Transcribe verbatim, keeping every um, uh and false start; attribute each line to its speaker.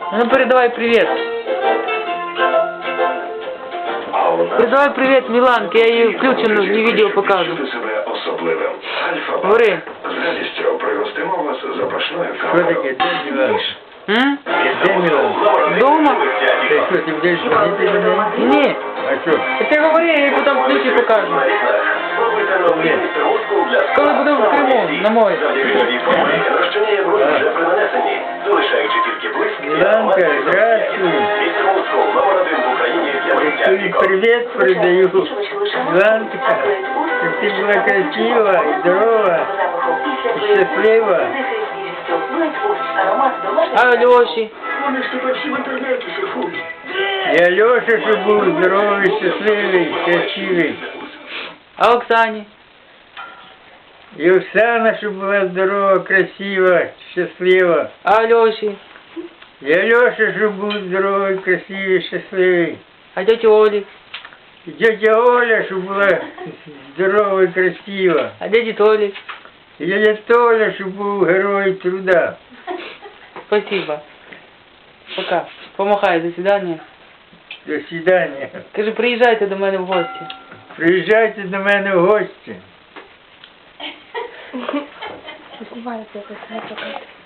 Speaker 1: Ну передавай привет. Передавай привет Міланки, я її включено, не відео покажу. Говори.
Speaker 2: З радістю пригостимо вас запашною
Speaker 3: Що
Speaker 2: кавою.
Speaker 3: таке? Де Міланка?
Speaker 1: М?
Speaker 3: Де Міланка?
Speaker 1: Дома?
Speaker 3: Ти що, ти будеш ходити до неї?
Speaker 1: Ні.
Speaker 3: А що?
Speaker 1: Ти говори, я їй потім ключі покажу.
Speaker 3: Ні.
Speaker 1: Коли буде в Криму, на морі.
Speaker 2: Розчиняє бруд вже при нанесенні, залишаючи тільки блиск.
Speaker 3: Міланка, здравствуй.
Speaker 2: Містер Мускул, номер один в Україні для миття
Speaker 3: Тобі
Speaker 2: вікон.
Speaker 3: привіт передаю. Міланка, щоб ти була красива, і здорова, і щаслива.
Speaker 1: А Льоші?
Speaker 2: Вони ж тепер всі в інтернеті шефують.
Speaker 3: Я Льоша, щоб був здоровий, щасливий, красивий.
Speaker 1: А Оксані?
Speaker 3: І Оксана, щоб була здорова, красива, щаслива.
Speaker 1: А Льоші?
Speaker 3: Я Льоша, щоб був здоровий, красивий, щасливий.
Speaker 1: А тьоті Олі?
Speaker 3: І тетя Оля, щоб була здорова і красива.
Speaker 1: А дяді Толі?
Speaker 3: І дядя Толя, щоб був герой труда.
Speaker 1: Спасибо. Пока. Помахай, до свидания.
Speaker 3: До свидання.
Speaker 1: Кажи, приїжджайте до мене в гості.
Speaker 3: Приїжджайте до мене в гості.
Speaker 4: Знімається якось не покати.